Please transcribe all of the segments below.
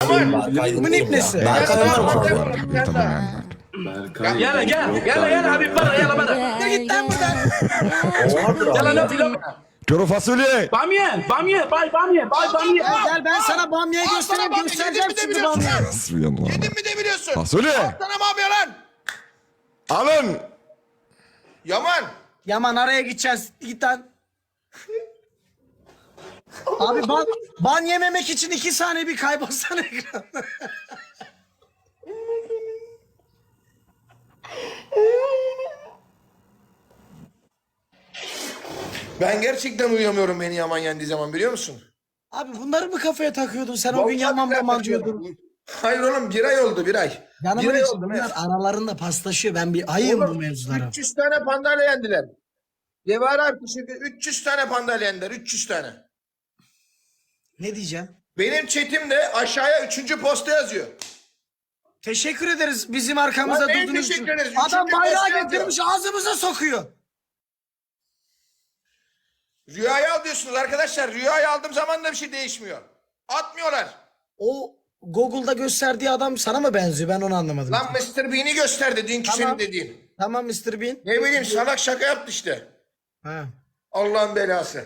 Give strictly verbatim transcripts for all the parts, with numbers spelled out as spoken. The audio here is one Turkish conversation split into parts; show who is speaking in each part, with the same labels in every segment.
Speaker 1: Yaman.
Speaker 2: Kimin ipnesi?
Speaker 1: Berkay var mı?
Speaker 3: Berkay.
Speaker 4: Gel gel gel gel Habib bana gel bana.
Speaker 2: Ne git lan buradan.
Speaker 4: Gel lan filo.
Speaker 5: Kuru fasulye.
Speaker 4: Bamye, bamye, bay bamye, bay bamye.
Speaker 2: Gel, gel ben sana bamyayı
Speaker 1: Al
Speaker 2: göstereyim.
Speaker 1: sana bamya,
Speaker 2: Göstereceğim
Speaker 1: yedin mi de
Speaker 2: şimdi
Speaker 1: biliyorsun
Speaker 2: bamyayı.
Speaker 1: lan?
Speaker 5: Hasbiyallah.
Speaker 1: Yedin mi de biliyorsun?
Speaker 5: Fasulye.
Speaker 1: Al sana bamya lan.
Speaker 5: Alın.
Speaker 1: Yaman.
Speaker 2: Yaman araya gideceğiz. Git lan. Abi ban, ban yememek için iki saniye bir kaybolsana ekranda.
Speaker 1: Ben gerçekten uyuyamıyorum beni Yaman yendiği zaman biliyor musun?
Speaker 2: Abi bunları mı kafaya takıyordun? Sen o gün Yaman
Speaker 1: Vallahi
Speaker 2: Yaman
Speaker 1: billahi
Speaker 2: diyordun.
Speaker 1: Hayır oğlum bir ay oldu bir ay.
Speaker 2: Yanımın
Speaker 1: bir ay
Speaker 2: için
Speaker 1: oldu.
Speaker 2: bunlar
Speaker 1: Mef.
Speaker 2: aralarında paslaşıyor. Ben bir ayım bu
Speaker 1: Oğlum,
Speaker 2: mevzulara.
Speaker 1: üç yüz tane pandayla yendiler. Cevher abi şimdi üç yüz tane pandayla yendiler. üç yüz tane.
Speaker 2: Ne diyeceğim?
Speaker 1: Benim chatimde aşağıya üçüncü posta yazıyor.
Speaker 2: Teşekkür ederiz bizim arkamızda
Speaker 1: Lan neye
Speaker 2: durduğunuz için.
Speaker 1: teşekkür ederiz?
Speaker 2: Adam
Speaker 1: Üçüncü
Speaker 2: bayrağı
Speaker 1: posta
Speaker 2: getirmiş ağzımıza sokuyor.
Speaker 1: Rüyayı al diyorsunuz arkadaşlar. Rüyayı aldığım zaman da bir şey değişmiyor. Atmıyorlar.
Speaker 2: O Google'da gösterdiği adam sana mı benziyor? Ben onu anlamadım.
Speaker 1: Lan mister Bean'i gösterdi dünkü
Speaker 2: Tamam.
Speaker 1: senin dediğin.
Speaker 2: Tamam mister Bean.
Speaker 1: Ne bileyim salak şaka yaptı işte.
Speaker 2: Ha.
Speaker 1: Allah'ın belası.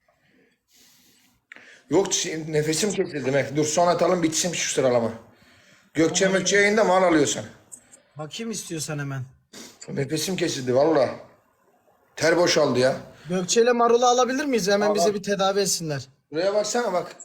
Speaker 1: Yok şimdi nefesim kesildi. Mef. Dur son atalım bitsin şu sıralama. Gökçe Mökçe yayında mal alıyorsan.
Speaker 2: Bakayım istiyorsan hemen.
Speaker 1: Nefesim kesildi valla. Ter boşaldı ya.
Speaker 2: Gökçe ile Marul'u alabilir miyiz? Hemen
Speaker 1: Al,
Speaker 2: bize
Speaker 1: al.
Speaker 2: bir tedavi etsinler.
Speaker 1: Buraya baksana bak.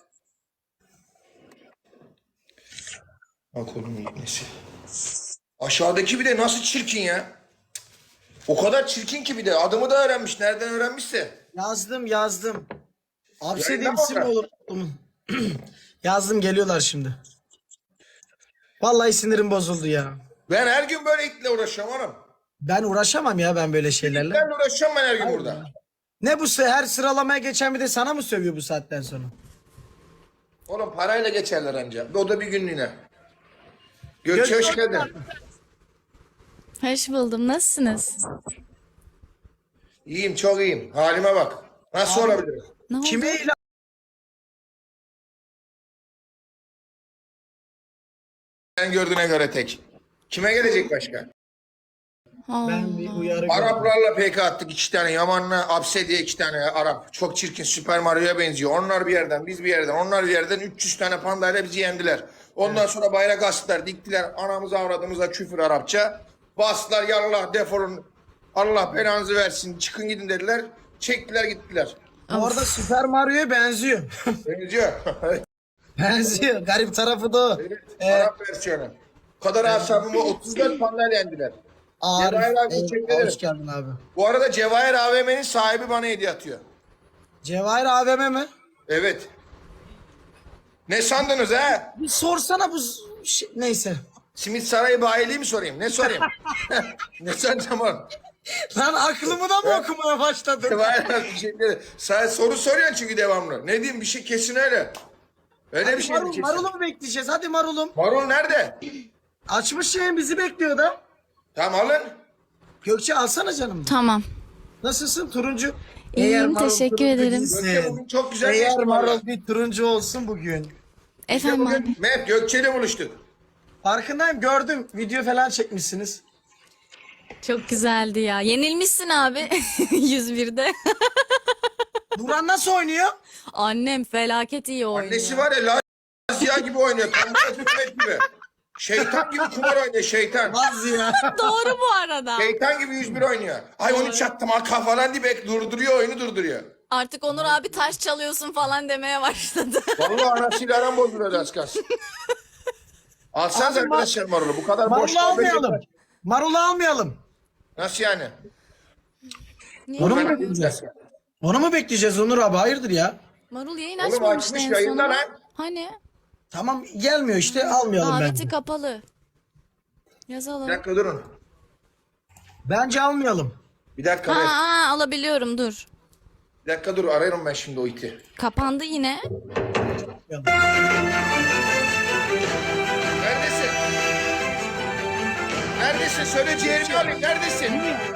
Speaker 1: Bak oğlum nesi. Aşağıdaki bir de nasıl çirkin ya. O kadar çirkin ki bir de adımı da öğrenmiş. Nereden öğrenmişse.
Speaker 2: Yazdım yazdım. Hapse
Speaker 1: Yayında mı
Speaker 2: isim mi
Speaker 1: orada?
Speaker 2: olur? Yazdım geliyorlar şimdi. Vallahi sinirim bozuldu ya.
Speaker 1: Ben her gün böyle itle uğraşıyorum oğlum.
Speaker 2: Ben uğraşamam ya ben böyle şeylerle.
Speaker 1: Ben uğraşıyorum ben her gün burada.
Speaker 2: Ne bu se- her sıralamaya geçen bir de sana mı sövüyor bu saatten sonra?
Speaker 1: Oğlum parayla geçerler anca. O da bir günlüğüne. Gökçe hoş geldin.
Speaker 6: Hoş buldum. Nasılsınız?
Speaker 1: İyiyim çok iyiyim. Halime bak. Nasıl olabilir?
Speaker 6: Ne oldu?
Speaker 2: Kime ilan?
Speaker 1: Sen gördüğüne göre tek. Kime gelecek başka?
Speaker 6: Allah.
Speaker 2: Ben bir uyarı gördüm.
Speaker 1: Araplarla P K attık iki tane. Yaman'la Apse diye iki tane Arap. Çok çirkin Süper Mario'ya benziyor. Onlar bir yerden biz bir yerden. Onlar bir yerden üç yüz tane pandayla bizi yendiler. Ondan sonra bayrak astılar. Diktiler. Anamıza avradımıza küfür Arapça. Bastılar yallah defolun. Allah belanızı versin. Çıkın gidin dediler. Çektiler gittiler.
Speaker 2: Bu arada Super Mario'ya benziyor.
Speaker 1: Benziyor.
Speaker 2: benziyor. Garip tarafı da o. Ee,
Speaker 1: Arap versiyonu. Bu kadar asabımı otuz dört pandayla yendiler.
Speaker 2: Arif,
Speaker 1: Cevahir abi,
Speaker 2: eyvallah,
Speaker 1: teşekkür ederim.
Speaker 2: hoş geldin abi.
Speaker 1: Bu arada Cevahir A V M'nin sahibi bana hediye atıyor.
Speaker 2: Cevahir A V M mi?
Speaker 1: Evet. Ne sandınız ha?
Speaker 2: Bir sorsana bu z- şey, neyse.
Speaker 1: Simit Sarayı bayiliği mi sorayım? Ne sorayım? ne sanacağım oğlum?
Speaker 2: Lan aklımı da mı okumaya başladın?
Speaker 1: Cevahir abi teşekkür ederim. Sen soru soruyorsun çünkü devamlı. Ne diyeyim bir şey kesin öyle. Öyle bir şey mi
Speaker 2: Marul,
Speaker 1: kesin?
Speaker 2: Marul'u mu bekleyeceğiz? Hadi Marul'um.
Speaker 1: Marul nerede?
Speaker 2: Açmış yayın bizi bekliyor da.
Speaker 1: Tamam alın.
Speaker 2: Gökçe alsana canım.
Speaker 6: Tamam.
Speaker 2: Nasılsın turuncu?
Speaker 6: İyiyim,
Speaker 2: Marul
Speaker 6: teşekkür
Speaker 2: turuncu
Speaker 6: ederim.
Speaker 2: değilsin.
Speaker 1: Gökçe bugün çok güzel
Speaker 2: Eğer
Speaker 1: geçti
Speaker 2: Marul
Speaker 1: valla.
Speaker 2: bir turuncu olsun bugün.
Speaker 6: Efendim abi.
Speaker 1: Bugün Mehmet Gökçe'yle buluştuk.
Speaker 2: Farkındayım gördüm. Video falan çekmişsiniz.
Speaker 6: Çok güzeldi ya. Yenilmişsin abi. yüz birde.
Speaker 2: Duran nasıl oynuyor?
Speaker 6: Annem felaket iyi oynuyor.
Speaker 1: Annesi var ya Lazia gibi oynuyor. Kambara Hükümet gibi. Şeytan gibi kumar oynuyor şeytan.
Speaker 2: Az ya.
Speaker 6: Doğru bu arada.
Speaker 1: Şeytan gibi yüz bir oynuyor. Ay onu çattım ha falan diye bek durduruyor oyunu durduruyor.
Speaker 6: Artık Onur abi taş çalıyorsun falan demeye başladı.
Speaker 1: Vallahi anasıyla aram bozuluyor az kalsın. Alsanız
Speaker 2: Abi,
Speaker 1: arkadaşlar marulu. Bu kadar boş
Speaker 2: Marul'u
Speaker 1: muhabbet
Speaker 2: almayalım.
Speaker 1: yeter.
Speaker 2: Marul'u almayalım.
Speaker 1: Nasıl yani?
Speaker 6: Niye?
Speaker 2: Onu mu
Speaker 1: Ben-
Speaker 2: bekleyeceğiz? Onu mu bekleyeceğiz Onur abi? Hayırdır ya?
Speaker 6: Marul yayın
Speaker 1: Oğlum
Speaker 6: açmamıştı
Speaker 1: açmış
Speaker 6: en
Speaker 1: yayında
Speaker 6: son.
Speaker 1: lan.
Speaker 6: Hani?
Speaker 2: Tamam gelmiyor işte almayalım
Speaker 6: Daveti
Speaker 2: bence.
Speaker 6: kapalı.
Speaker 1: Bir
Speaker 6: Yazalım.
Speaker 1: dakika durun.
Speaker 2: Bence almayalım.
Speaker 1: Bir dakika.
Speaker 6: Ha,
Speaker 1: ver.
Speaker 6: ha alabiliyorum dur.
Speaker 1: Bir dakika dur ararım ben şimdi o iti.
Speaker 6: Kapandı yine.
Speaker 1: Neredesin? Neredesin? Söyle ciğerini alayım. Neredesin?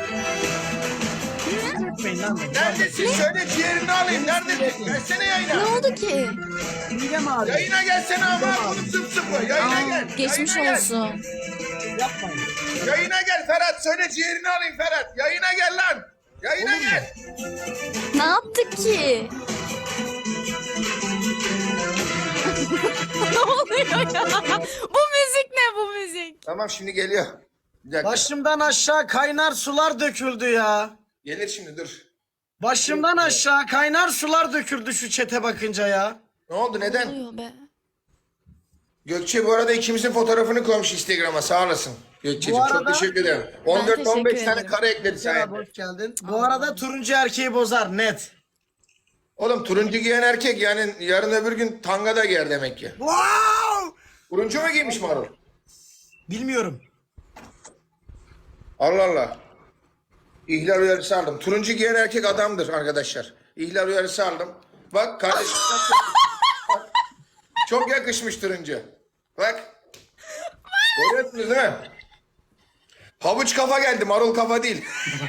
Speaker 1: Neredesin? Söyle ciğerini alayım. Neredesin? Gelsene yayına.
Speaker 6: Ne oldu ki?
Speaker 2: Midem ağrıyor.
Speaker 1: Yayına gelsene ama. Oğlum zıp zıp mı? Yayına gel.
Speaker 6: Geçmiş
Speaker 1: yayına
Speaker 6: olsun.
Speaker 2: Yapmayın.
Speaker 1: Gel. Yayına gel Ferhat. Söyle ciğerini alayım Ferhat. Yayına gel lan. Yayına gel.
Speaker 6: Ne yaptık ki? Ne oluyor ya? Bu müzik ne bu müzik?
Speaker 1: Tamam şimdi geliyor. Bir dakika.
Speaker 2: Başımdan aşağı kaynar sular döküldü ya.
Speaker 1: Gelir şimdi dur.
Speaker 2: Başımdan aşağı kaynar sular döküldü şu çete bakınca ya.
Speaker 1: Ne oldu
Speaker 6: Ne
Speaker 1: neden?
Speaker 6: oluyor be?
Speaker 1: Gökçe bu arada ikimizin fotoğrafını koymuş Instagram'a sağ olasın. Gökçe'cim
Speaker 2: Bu
Speaker 1: çok
Speaker 2: arada-
Speaker 1: teşekkür ederim. on dört on beş
Speaker 6: teşekkür
Speaker 1: tane
Speaker 6: ederim.
Speaker 1: kare ekledi
Speaker 2: Merhaba,
Speaker 1: sayende.
Speaker 2: hoş geldin. Bu arada turuncu erkeği bozar net.
Speaker 1: Oğlum turuncu giyen erkek yani yarın öbür gün tanga da giyer demek ki.
Speaker 2: Wow!
Speaker 1: Turuncu mu giymiş Marul?
Speaker 2: Bilmiyorum.
Speaker 1: Allah Allah. İhlal uyarısı aldım. Turuncu giyen erkek adamdır arkadaşlar. İhlal uyarısı aldım. Bak kardeşim. Bak. Çok yakışmış turuncu. Bak. Görüyorsunuz değil mi? Havuç kafa geldi, marul kafa değil.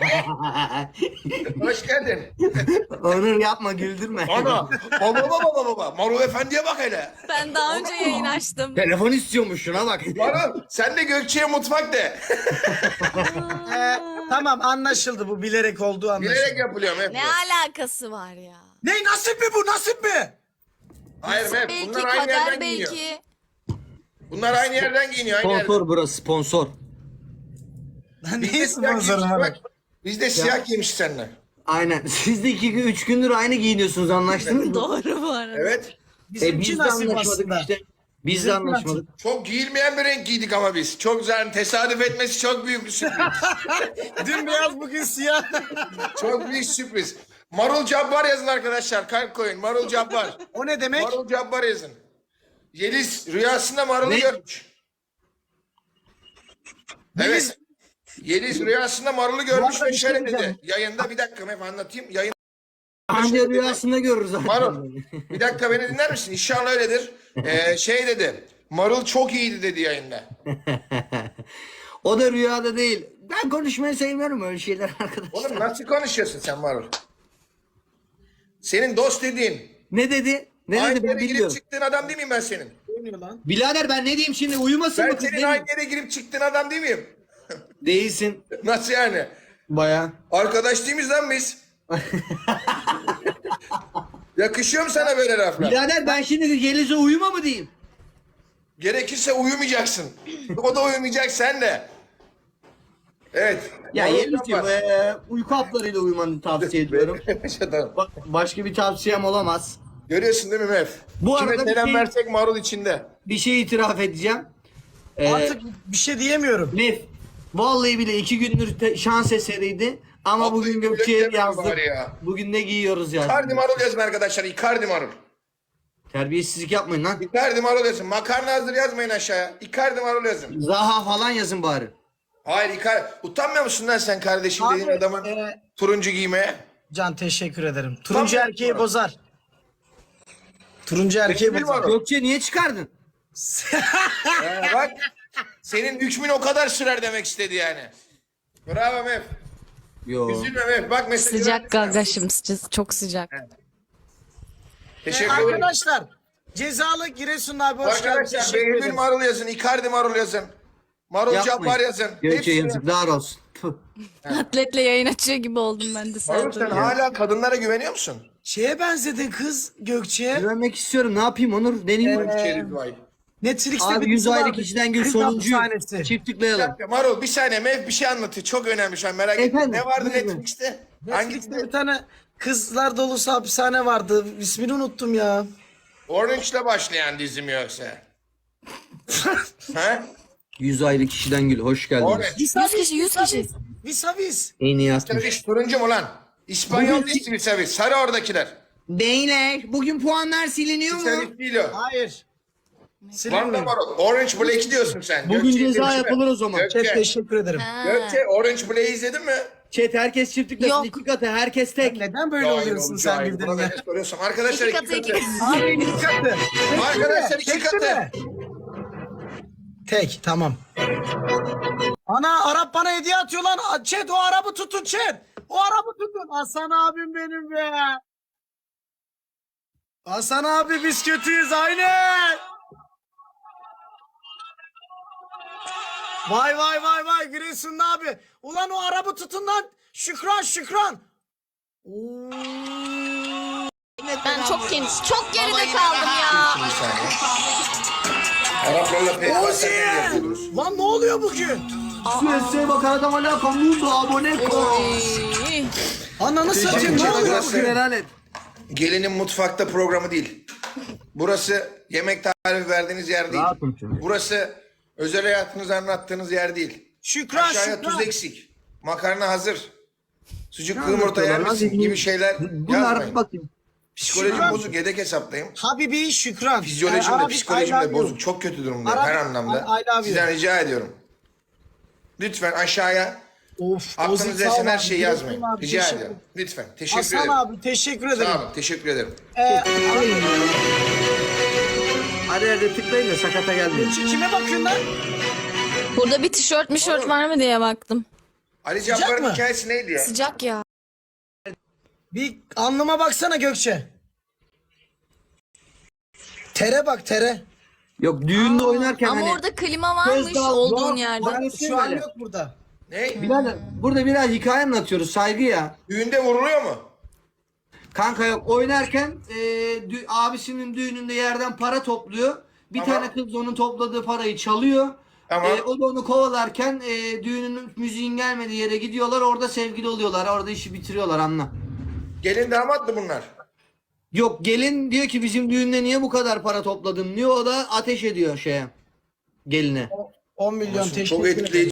Speaker 1: Hoş geldin.
Speaker 3: Onur yapma güldürme.
Speaker 1: Ana. Baba baba baba baba. Marul efendiye bak hele.
Speaker 6: Ben daha önce yayın açtım.
Speaker 3: Telefon istiyormuş şuna bak.
Speaker 1: Marul sen de Gökçe'ye mutfak de.
Speaker 2: Ee, tamam anlaşıldı, bu bilerek olduğu anlaşıldı.
Speaker 1: Bilerek yapılıyor Mef.
Speaker 6: Ne alakası var ya?
Speaker 2: Ne, nasip mi bu, nasip mi?
Speaker 1: Hayır Mef.
Speaker 6: Belki
Speaker 1: Bunlar aynı
Speaker 6: kader
Speaker 1: yerden giyiniyor.
Speaker 6: belki.
Speaker 1: Bunlar aynı yerden giyiniyor. Aynı yerden.
Speaker 3: Sponsor burası sponsor.
Speaker 2: Lan
Speaker 1: Biz de
Speaker 2: ne
Speaker 1: siyah
Speaker 2: sponsoru
Speaker 1: giymişiz
Speaker 2: abi?
Speaker 1: bak. Biz de siyah giymişiz seninle.
Speaker 3: Aynen. Siz de iki gün, üç gündür aynı giyiniyorsunuz, anlaştınız mı?
Speaker 6: Doğru bu arada.
Speaker 1: Evet.
Speaker 3: E
Speaker 2: Bizimki
Speaker 3: biz de
Speaker 2: nasip
Speaker 3: anlaşmadık
Speaker 2: aslında.
Speaker 3: işte. Biz de
Speaker 2: Bizimki
Speaker 3: anlaşmadık.
Speaker 1: Çok giyilmeyen bir renk giydik ama biz. Çok güzel. Tesadüf etmesi çok büyük bir sürpriz.
Speaker 2: Dün beyaz bugün siyah.
Speaker 1: Çok büyük sürpriz. Marul Cabbar yazın arkadaşlar. Kalp koyun. Marul Cabbar.
Speaker 2: O ne demek?
Speaker 1: Marul Cabbar yazın. Yeliz rüyasında Marul'u
Speaker 3: Ne?
Speaker 1: görmüş. Evet. Yeliz rüyasında Marul'u görmüş
Speaker 2: arada
Speaker 1: ve
Speaker 2: bir şey
Speaker 1: şöyle dedi.
Speaker 2: diyeceğim.
Speaker 1: Yayında bir dakika hep anlatayım. Yayın
Speaker 3: Anca rüyasında görürüz zaten.
Speaker 1: Marul bir dakika beni dinler misin? İnşallah öyledir. Ee, şey dedi. Marul çok iyiydi dedi yayında.
Speaker 3: O da rüyada değil. Ben konuşmayı sevmiyorum öyle şeyler arkadaşlar.
Speaker 1: Oğlum nasıl konuşuyorsun sen Marul? Senin dost dediğin.
Speaker 3: Ne dedi? Ne
Speaker 1: Aynı
Speaker 3: dedi ben
Speaker 1: yere girip
Speaker 3: bilmiyorum.
Speaker 1: çıktığın adam değil miyim ben senin?
Speaker 2: Oynuyor lan.
Speaker 3: Birader ben ne diyeyim şimdi, uyumasın
Speaker 1: Ben
Speaker 3: mı kız?
Speaker 1: senin
Speaker 3: Ne
Speaker 1: aynı
Speaker 3: diyeyim?
Speaker 1: yere girip çıktığın adam değil miyim?
Speaker 3: Değilsin.
Speaker 1: Nasıl yani?
Speaker 3: Baya.
Speaker 1: Arkadaş değil miyiz lan biz? Yakışıyor mu sana böyle laflar?
Speaker 3: Birader ben şimdi Yeliz'e uyuma mı diyeyim?
Speaker 1: Gerekirse uyumayacaksın. O da uyumayacak sen de. Evet.
Speaker 3: Ya
Speaker 1: Marul
Speaker 3: Yeliz'ciğim
Speaker 1: Cabbar.
Speaker 3: eee uyku haplarıyla uyumanı tavsiye ediyorum.
Speaker 1: Tamam.
Speaker 3: Ba- başka bir tavsiyem olamaz.
Speaker 1: Görüyorsun değil mi Mef?
Speaker 3: Bu
Speaker 1: Kime
Speaker 3: arada bir
Speaker 1: selam
Speaker 3: şey-
Speaker 1: versek marul içinde.
Speaker 3: Bir şey itiraf edeceğim. Ee,
Speaker 2: Artık bir şey diyemiyorum.
Speaker 3: Nef, vallahi bile iki gündür te- şans eseriydi. Ama
Speaker 1: Vallahi
Speaker 3: bugün
Speaker 1: bile
Speaker 3: Gökçe'ye
Speaker 1: demedim
Speaker 3: yazdık.
Speaker 1: bari ya.
Speaker 3: Bugün ne giyiyoruz yazdık.
Speaker 1: Icardi marul yazın arkadaşlar. Icardi marul.
Speaker 3: Terbiyesizlik yapmayın lan.
Speaker 1: Icardi marul yazın. Makarna hazır yazmayın aşağıya. Icardi marul yazın.
Speaker 3: Zaha falan yazın bari.
Speaker 1: Hayır Icardi. Utanmıyor musun lan sen kardeşim dediğin
Speaker 2: Abi,
Speaker 1: adamın
Speaker 2: e,
Speaker 1: turuncu giymeye?
Speaker 2: Can teşekkür ederim. Turuncu
Speaker 1: Tamam.
Speaker 2: erkeği bozar. Turuncu erkeği
Speaker 1: Benim
Speaker 2: bozar.
Speaker 1: var o.
Speaker 3: Gökçe niye çıkardın?
Speaker 1: Ee, bak. Senin hükmün o kadar sürer demek istedi yani. Bravo Mef.
Speaker 3: Yo.
Speaker 1: Üzülme Mef. Bak mesajı
Speaker 6: Sıcak
Speaker 1: verdim.
Speaker 6: gagaşım sıcak, çok sıcak.
Speaker 1: Teşekkür ederim.
Speaker 2: Arkadaşlar cezalı Giresun abi hoş geldin.
Speaker 1: Arkadaşlar
Speaker 2: Teşekkür
Speaker 1: Behlül
Speaker 2: ederim.
Speaker 1: marul yazın. Icardi marul yazın. Marul
Speaker 3: Yapmayın.
Speaker 1: Cabbar yazın.
Speaker 3: Gökçe
Speaker 1: Hepsini-
Speaker 3: yazıklar olsun. Tüh.
Speaker 6: Atletle yayın açıyor gibi oldum ben de
Speaker 1: Marul
Speaker 6: sadece.
Speaker 1: sen hala kadınlara güveniyor musun?
Speaker 2: Şeye benzedin kız Gökçe'ye.
Speaker 3: Güvenmek istiyorum. Ne yapayım Onur? Deneyim mi?
Speaker 1: Şerif vay.
Speaker 2: Netflix'te
Speaker 3: Abi
Speaker 2: bir
Speaker 3: yüz
Speaker 2: dizi
Speaker 3: ayrı
Speaker 2: vardı.
Speaker 3: kişiden gün
Speaker 2: Kız
Speaker 3: sonuncuyu.
Speaker 2: hapishanesi.
Speaker 3: Çift tıklayalım.
Speaker 1: Marul bir saniye Mev bir şey anlatıyor. Çok önemli şu an merak ettim.
Speaker 3: Efendim,
Speaker 1: Ne vardı
Speaker 3: buyurun.
Speaker 1: Netflix'te?
Speaker 2: Netflix'te
Speaker 1: Hangisi?
Speaker 2: bir tane kızlar dolusu hapishane vardı. İsmini unuttum ya.
Speaker 1: Orange'la başlayan dizim yoksa. He?
Speaker 3: Yüz ayrı kişiden gül. Hoş geldiniz.
Speaker 1: Orange.
Speaker 6: yüz kişi yüz kişi.
Speaker 2: Vis a vis.
Speaker 3: En iyi yazmış.
Speaker 1: Saviş turuncu mu lan? İspanyol
Speaker 3: Bugün-
Speaker 1: değil mi Saviş? Sarı oradakiler.
Speaker 3: Beyler bugün puanlar siliniyor mu?
Speaker 1: Saviş değil o.
Speaker 2: Hayır.
Speaker 1: Var mı
Speaker 2: Silinmiyor.
Speaker 1: Marul? Orange Black diyorsun sen.
Speaker 3: Bugün
Speaker 1: Gökçe'yi
Speaker 3: ceza
Speaker 1: izledin mi?
Speaker 3: yapılır o zaman.
Speaker 2: Çok
Speaker 1: Gökçe,
Speaker 2: teşekkür ederim.
Speaker 6: Ha.
Speaker 1: Gökçe Orange Black'i izledin mi?
Speaker 3: Chat herkes çift tıklasın.
Speaker 6: Yok.
Speaker 3: İki katı herkes tek.
Speaker 2: Neden böyle
Speaker 1: Cahil
Speaker 2: oluyorsun
Speaker 1: ol,
Speaker 2: sen
Speaker 1: cahil. Buna
Speaker 2: birbirine?
Speaker 1: ne soruyorsun? Arkadaşlar
Speaker 6: İki
Speaker 1: iki
Speaker 6: katı,
Speaker 1: katı.
Speaker 6: iki katı.
Speaker 2: Abi iki katı.
Speaker 1: Arkadaşlar iki
Speaker 2: Tek
Speaker 1: katı.
Speaker 2: mi? Tek tamam. Ana Arap bana hediye atıyor lan. A- Chat o Arap'ı tutun chat. O Arap'ı tutun. Hasan abim benim be. Hasan abi biz kötüyüz aynen. Vay vay vay vay Giresunlu abi. Ulan o arabı tutun lan. Şükran Şükran. Oo.
Speaker 6: Ben çok geniş, çok geride
Speaker 1: Baba yine
Speaker 6: kaldım ya.
Speaker 1: Şimdi bir saniye. Araplarla P K
Speaker 2: Ozi!
Speaker 1: S'den yapıyoruz.
Speaker 2: Lan ne oluyor bugün?
Speaker 3: Süesse bak adam hala kamuzu abone kol.
Speaker 6: Oy.
Speaker 2: Ananı satayım ne
Speaker 1: ederim.
Speaker 2: oluyor
Speaker 1: Burası-
Speaker 2: bugün?
Speaker 3: Helal et.
Speaker 1: Gelinin mutfakta programı değil. Burası yemek tarifi verdiğiniz yer değil.
Speaker 3: Rahatım şimdi.
Speaker 1: Burası özel hayatınızı anlattığınız yer değil.
Speaker 2: Şükran
Speaker 1: Aşağıya
Speaker 2: Şükran.
Speaker 1: tuz eksik. Makarna hazır. Sucuk
Speaker 3: Ne
Speaker 1: yumurta yer
Speaker 3: anlatıyorlar
Speaker 1: misin
Speaker 3: lan?
Speaker 1: gibi şeyler
Speaker 3: Bunlar
Speaker 1: yazmayın.
Speaker 3: bakayım.
Speaker 1: Psikolojim
Speaker 2: Şükran.
Speaker 1: bozuk, yedek hesaptayım.
Speaker 2: Habibi Şükran.
Speaker 1: Fizyolojim
Speaker 2: Ee,
Speaker 1: de
Speaker 2: Arabi,
Speaker 1: psikolojim
Speaker 2: I
Speaker 1: de
Speaker 2: love you.
Speaker 1: bozuk. Çok kötü durumdayım
Speaker 2: Arabi,
Speaker 1: her anlamda.
Speaker 2: I- I love you.
Speaker 1: Sizden rica ediyorum. Lütfen aşağıya
Speaker 2: Of,
Speaker 1: aklınıza
Speaker 2: Ozi, sağ ol
Speaker 1: esen her
Speaker 2: abi.
Speaker 1: şeyi
Speaker 2: Giresun
Speaker 1: yazmayın.
Speaker 2: abi,
Speaker 1: Rica
Speaker 2: teşekkür-
Speaker 1: ediyorum. Lütfen. Teşekkür
Speaker 2: Hasan
Speaker 1: ederim.
Speaker 2: abi teşekkür ederim.
Speaker 1: Sağ olun. Teşekkür ederim.
Speaker 2: Ee,
Speaker 3: Hadi hadi tıklayın da sakata gelmeyin.
Speaker 2: kime bakıyorsun lan?
Speaker 6: Burada bir tişört mişört var mı diye baktım.
Speaker 1: Ali
Speaker 2: Sıcak
Speaker 1: Cabbar'ın
Speaker 2: mı?
Speaker 1: hikayesi neydi ya?
Speaker 6: Sıcak ya.
Speaker 2: Bir alnıma baksana Gökçe. Tere bak tere.
Speaker 3: Yok düğünde oynarken
Speaker 6: Ama
Speaker 3: hani.
Speaker 6: orada klima varmış
Speaker 3: Göz dal-
Speaker 6: olduğun
Speaker 3: yok,
Speaker 6: yerde.
Speaker 3: bak-
Speaker 2: Bak şu an yok burada.
Speaker 1: Ne?
Speaker 3: Birader burada biraz hikaye anlatıyoruz saygı ya.
Speaker 1: Düğünde vuruluyor mu?
Speaker 3: Kanka yok oynarken e, dü- abisinin düğününde yerden para topluyor. Bir
Speaker 1: Tamam.
Speaker 3: tane kız onun topladığı parayı çalıyor.
Speaker 1: Tamam.
Speaker 3: E, o da onu kovalarken e, düğünün müziğin gelmediği yere gidiyorlar. Orada sevgili oluyorlar. Orada işi bitiriyorlar anla.
Speaker 1: Gelin damat mı bunlar?
Speaker 3: Yok gelin diyor ki bizim düğünde niye bu kadar para topladın diyor. O da ateş ediyor şeye. Geline.
Speaker 2: on milyon teşekkür
Speaker 1: Çok
Speaker 2: ederim.
Speaker 1: etkileyici.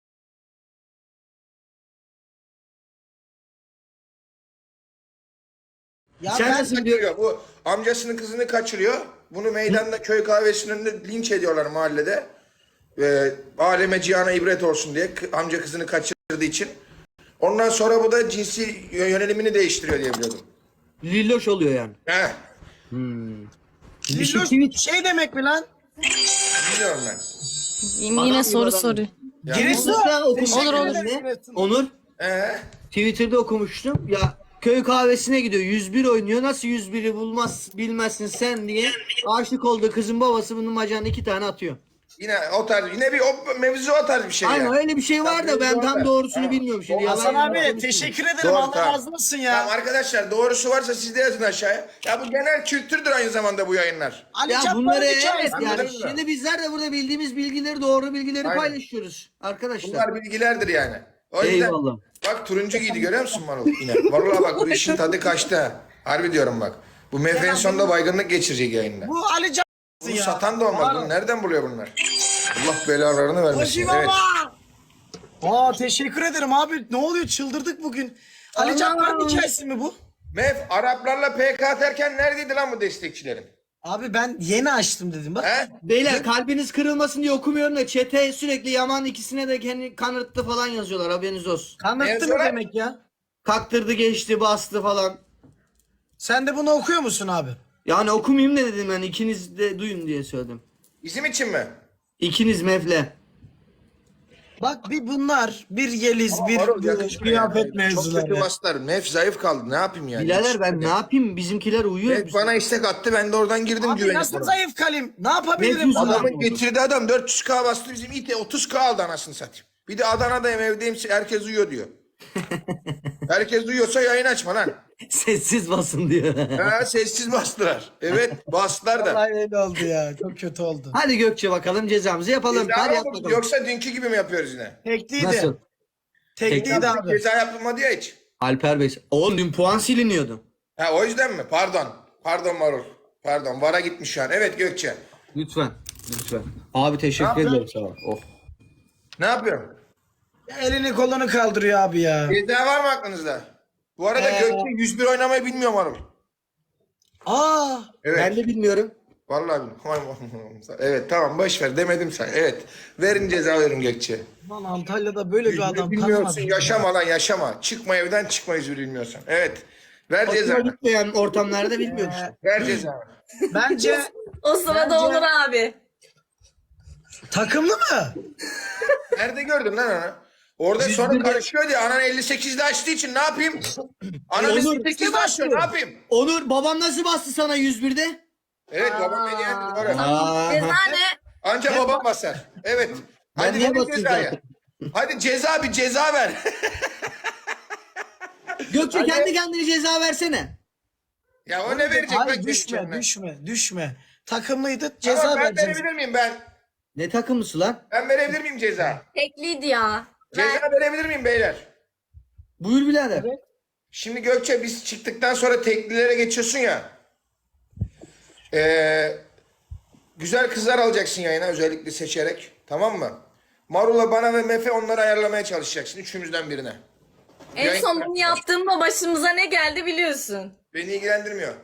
Speaker 2: Ya
Speaker 3: Sen
Speaker 2: ben
Speaker 3: nasıl diyor?
Speaker 1: Diyor, bu amcasının kızını kaçırıyor. Bunu meydanda köy kahvesinin önünde linç ediyorlar mahallede. Ee, aleme cihana ibret olsun diye k- amca kızını kaçırdığı için. Ondan sonra bu da cinsi yönelimini değiştiriyor diye biliyordum.
Speaker 3: Lilloş oluyor yani.
Speaker 1: Heh,
Speaker 2: Lilloş
Speaker 3: tweet-
Speaker 2: şey demek mi lan?
Speaker 1: bilmiyorum ben.
Speaker 6: Yine,
Speaker 3: Adam
Speaker 6: yine
Speaker 3: gibi
Speaker 6: soru
Speaker 3: adam.
Speaker 6: soruyor.
Speaker 2: Giresun.
Speaker 3: Mesela okumuştum.
Speaker 6: Olur, olur.
Speaker 3: Ne? Onur.
Speaker 1: Ee,
Speaker 3: Twitter'da okumuştum. Ya köy kahvesine gidiyor. yüz bir oynuyor. Nasıl yüz biri bulmaz bilmezsin sen diye. Aşık olduğu kızın babası bunun bacağına iki tane atıyor.
Speaker 1: yine o tarz, yine bir o mevzu o tarz bir şey
Speaker 3: Aynen
Speaker 1: yani.
Speaker 3: öyle bir şey var da ben
Speaker 1: Tamam,
Speaker 3: tam
Speaker 1: doğru.
Speaker 3: doğrusunu
Speaker 1: Tamam.
Speaker 3: bilmiyorum şimdi.
Speaker 2: Hasan
Speaker 3: Yalan
Speaker 2: abi
Speaker 3: konuşmayayım.
Speaker 2: teşekkür ederim.
Speaker 1: Doğru,
Speaker 2: Allah
Speaker 1: tamam.
Speaker 2: razı olsun
Speaker 1: Tamam
Speaker 2: ya.
Speaker 1: arkadaşlar doğrusu varsa siz de yazın aşağıya. Ya bu genel kültürdür aynı zamanda bu yayınlar.
Speaker 2: Ali
Speaker 3: Ya
Speaker 2: Cabbar'ın
Speaker 3: bunları evet
Speaker 2: hikayesi.
Speaker 3: yani
Speaker 1: Anladın mı?
Speaker 3: şimdi bizler de burada bildiğimiz bilgileri doğru bilgileri
Speaker 1: Aynen.
Speaker 3: paylaşıyoruz arkadaşlar.
Speaker 1: Bunlar bilgilerdir yani. O yüzden
Speaker 3: Eyvallah.
Speaker 1: bak turuncu giydi görüyor musun Marul yine? Vallahi bak bu işin tadı kaçtı ha. Harbi diyorum bak. Bu mefenin sonunda baygınlık geçirecek yayında.
Speaker 2: Bu Ali Cabbar
Speaker 1: Bunu
Speaker 2: ya.
Speaker 1: satan da olmaz. Bunu nereden buluyor bunlar? Allah belalarını vermesin.
Speaker 2: Hoşçi
Speaker 1: Evet.
Speaker 2: baba. Aa teşekkür ederim abi. Ne oluyor çıldırdık bugün. Ali Cabbar'ın hikayesi mi bu?
Speaker 1: Mef Araplarla P K atarken neredeydi lan bu destekçilerin?
Speaker 2: Abi ben yeni açtım dedim bak.
Speaker 1: He?
Speaker 3: Beyler kalbiniz kırılmasın diye okumuyorum da çete sürekli Yaman ikisine de kendi kanırttı falan yazıyorlar haberiniz olsun.
Speaker 2: Kanıttı mı
Speaker 1: Yazıyorlar.
Speaker 2: demek ya?
Speaker 3: Kaktırdı geçti bastı falan.
Speaker 2: Sen de bunu okuyor musun abi?
Speaker 3: Yani okumayayım da dedim ben ikiniz de duyun diye söyledim.
Speaker 1: Bizim için mi?
Speaker 3: İkiniz mevle.
Speaker 2: Bak bir bunlar, bir Yeliz, bir
Speaker 1: Marul
Speaker 2: bu
Speaker 1: yakışmıyor
Speaker 2: kıyafet
Speaker 1: yani. Çok
Speaker 2: mevzuları.
Speaker 1: kötü bastılar. Mef zayıf kaldı. Ne yapayım yani?
Speaker 3: Birader ben ne yapayım bizimkiler uyuyor.
Speaker 1: Mef bana istek attı. Ben de oradan girdim
Speaker 2: Abi
Speaker 1: güvenip.
Speaker 2: nasıl
Speaker 1: ona.
Speaker 2: zayıf kalim? Ne yapabilirim
Speaker 3: Mevzu
Speaker 2: buna?
Speaker 1: Adamın getirdiği adam dört yüz K bastı. Bizim ite otuz K aldı anasını satayım. Bir de Adana'dayım evdeyim. Herkes uyuyor diyor. Herkes duyuyorsa yayın açma lan.
Speaker 3: Sessiz basın diyor.
Speaker 1: Ha, sessiz bastılar. Evet bastılar da.
Speaker 2: Vallahi öyle oldu ya. Çok kötü oldu.
Speaker 3: Hadi Gökçe bakalım cezamızı yapalım.
Speaker 1: Ceza
Speaker 3: Hadi
Speaker 1: mı
Speaker 3: yap
Speaker 1: bu?
Speaker 3: bakalım.
Speaker 1: Yoksa dünkü gibi mi yapıyoruz yine?
Speaker 2: Tekliydi.
Speaker 3: Nasıl?
Speaker 2: Tekliydi abi.
Speaker 1: Ceza yapılmadı ya hiç.
Speaker 3: Alper Bey. Oğlum dün puan siliniyordu.
Speaker 1: Ha o yüzden mi? Pardon. Pardon Marul. Pardon. Vara gitmiş şu an. Evet Gökçe.
Speaker 3: Lütfen. Lütfen. Abi teşekkür
Speaker 1: Ne
Speaker 3: ederim sağ ol. Oh.
Speaker 1: Ne yapıyorum?
Speaker 2: Elini kolunu kaldırıyor abi ya.
Speaker 1: Ceza var mı aklınızda? Bu arada
Speaker 2: Ee,
Speaker 1: Gökçe yüz bir oynamayı bilmiyor Marul.
Speaker 2: Aa,
Speaker 1: Evet.
Speaker 3: Ben de bilmiyorum.
Speaker 1: Vallahi bilmiyorum. Evet tamam boş ver demedim sen. Evet. Verin ceza verin Gökçe.
Speaker 2: lan Antalya'da böyle bir adam
Speaker 1: Bilmiyorsun
Speaker 2: tanımadım.
Speaker 1: yaşama lan yaşama. Çıkma evden çıkma yüz bir bilmiyorsan. Evet. Ver ceza.
Speaker 3: Hoşuma gitmeyen ortamlarda bilmiyorum işte.
Speaker 1: Ver ceza.
Speaker 2: Bence
Speaker 6: O sırada
Speaker 2: Bence-
Speaker 6: olur abi.
Speaker 2: takımlı mı?
Speaker 1: Nerede gördün lan onu? Orada sonra karışıyor diye anan elli sekizde açtığı için ne yapayım? Anan
Speaker 3: Olur.
Speaker 1: elli sekizde açıyor ne yapayım?
Speaker 3: Onur babam nasıl bastı sana yüz birde?
Speaker 1: Evet babam beni yendi doğru.
Speaker 3: Aa,
Speaker 6: Ceza ne?
Speaker 1: Anca babam basar. Evet.
Speaker 3: Ben
Speaker 1: Hadi
Speaker 3: niye
Speaker 1: verin
Speaker 3: basayım
Speaker 1: cezayı.
Speaker 3: zaten?
Speaker 1: Hadi ceza bir ceza ver.
Speaker 3: Gökçe
Speaker 1: Hadi.
Speaker 3: kendi kendine ceza versene.
Speaker 1: Ya o ne verecek?
Speaker 2: Hayır
Speaker 1: bak kendi
Speaker 2: düşme
Speaker 1: kendine?
Speaker 2: düşme düşme. Takımlıydı ceza
Speaker 1: Tamam ben
Speaker 2: vereceğiz.
Speaker 1: verebilir miyim ben?
Speaker 3: Ne takımısı lan?
Speaker 1: Ben verebilir miyim ceza?
Speaker 6: Tekliydi ya. Ver.
Speaker 1: Ceza verebilir miyim beyler?
Speaker 3: Buyur birader.
Speaker 1: Şimdi Gökçe biz çıktıktan sonra teklilere geçiyorsun ya. Ee, güzel kızlar alacaksın yayına özellikle seçerek. Tamam mı? Marula, bana ve Mefe onları ayarlamaya çalışacaksın. Üçümüzden birine.
Speaker 6: En
Speaker 1: Yayın-
Speaker 6: son bunu yaptığımda başımıza ne geldi biliyorsun.
Speaker 1: Beni ilgilendirmiyor.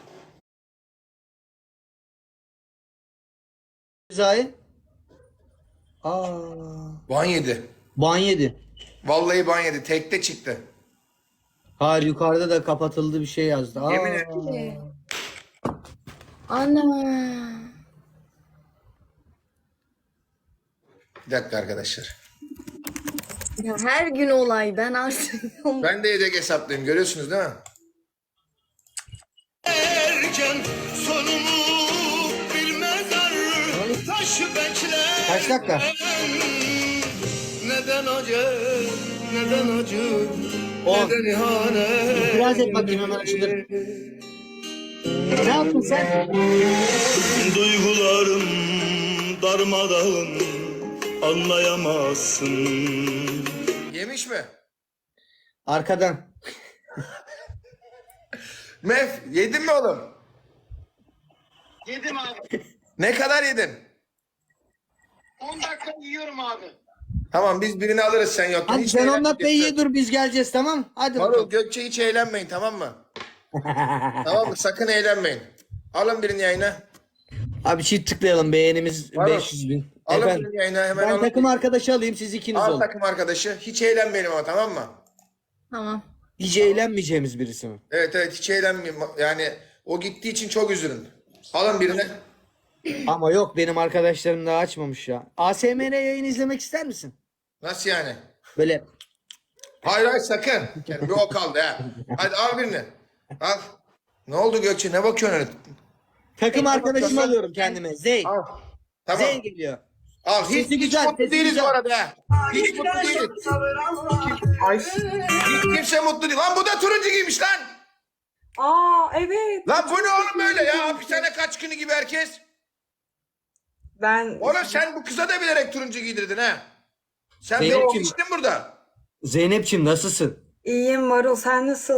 Speaker 3: Cezayı. Aa.
Speaker 1: Ban yedi.
Speaker 3: Ban yedi.
Speaker 1: Vallahi ban yedi. Tekte çıktı.
Speaker 3: Hayır yukarıda da kapatıldı bir şey yazdı. Aa.
Speaker 1: Yemin ederim.
Speaker 6: Ana.
Speaker 1: Bir dakika arkadaşlar.
Speaker 6: Ya her gün olay ben artık.
Speaker 1: Ben de yedek hesaplıyım. Görüyorsunuz değil mi?
Speaker 3: Kaç dakika?
Speaker 7: Neden acı, neden acı,
Speaker 3: On.
Speaker 7: neden ihanet?
Speaker 3: Biraz et bakayım hemen açılır. Ne yaptın sen?
Speaker 7: Duygularım darmadağın, anlayamazsın.
Speaker 1: Yemiş mi?
Speaker 3: Arkadan.
Speaker 1: Mef yedin mi oğlum?
Speaker 2: Yedim abi.
Speaker 1: Ne kadar yedin?
Speaker 2: on dakika yiyorum abi.
Speaker 1: Tamam biz birini alırız sen yokken.
Speaker 3: Hadi
Speaker 1: Hiç
Speaker 3: sen on
Speaker 1: eğlenmeyeceksin.
Speaker 3: dakika iyi dur biz geleceğiz tamam? Hadi
Speaker 1: Marul,
Speaker 3: bakalım.
Speaker 1: Gökçe hiç eğlenmeyin tamam mı? Tamam mı? Sakın eğlenmeyin. Alın birini yayına.
Speaker 3: Abi çift tıklayalım beğenimiz
Speaker 1: Var mı?
Speaker 3: beş yüz bin.
Speaker 1: Alın
Speaker 3: Efendim.
Speaker 1: birini yayına hemen
Speaker 3: Ben
Speaker 1: alın.
Speaker 3: takım arkadaşı alayım siz ikiniz
Speaker 1: Al
Speaker 3: olun.
Speaker 1: takım arkadaşı. Hiç eğlenmeyelim ama tamam mı?
Speaker 6: Tamam.
Speaker 3: Hiç eğlenmeyeceğimiz birisi mi?
Speaker 1: Evet evet hiç eğlenmeyin. Yani o gittiği için çok üzülün. Alın birini.
Speaker 3: Ama yok benim arkadaşlarım daha açmamış ya. A S M R yayın izlemek ister misin?
Speaker 1: Nasıl yani?
Speaker 3: Böyle
Speaker 1: Hayır hayır sakın. Yani bir o kaldı ha. Hadi al birini. Al. Ne oldu Gökçe? Ne bakıyorsun öyle?
Speaker 3: takım arkadaşımı
Speaker 1: bakıyorsun?
Speaker 3: alıyorum kendime. Zeyn.
Speaker 1: Al. Tamam.
Speaker 3: Zeyn geliyor.
Speaker 1: Al. Hiç,
Speaker 3: Sesi
Speaker 1: hiç
Speaker 3: güzel,
Speaker 1: mutlu
Speaker 3: sesi
Speaker 1: değiliz
Speaker 3: güzel.
Speaker 1: bu arada ha. Hiç mutlu değiliz. Hiç kimse mutlu değil. Lan bu da turuncu giymiş lan.
Speaker 8: Aa evet.
Speaker 1: Lan bu ne oğlum böyle ya? Hapishane kaç günü gibi herkes.
Speaker 8: Ben
Speaker 1: Oğlum sen bu kıza da bilerek turuncu giydirdin ha. Sen
Speaker 3: Zeynep
Speaker 1: beni
Speaker 3: kim?
Speaker 1: geçtin burada.
Speaker 3: Zeynep'ciğim nasılsın?
Speaker 8: iyiyim Marul sen nasıl?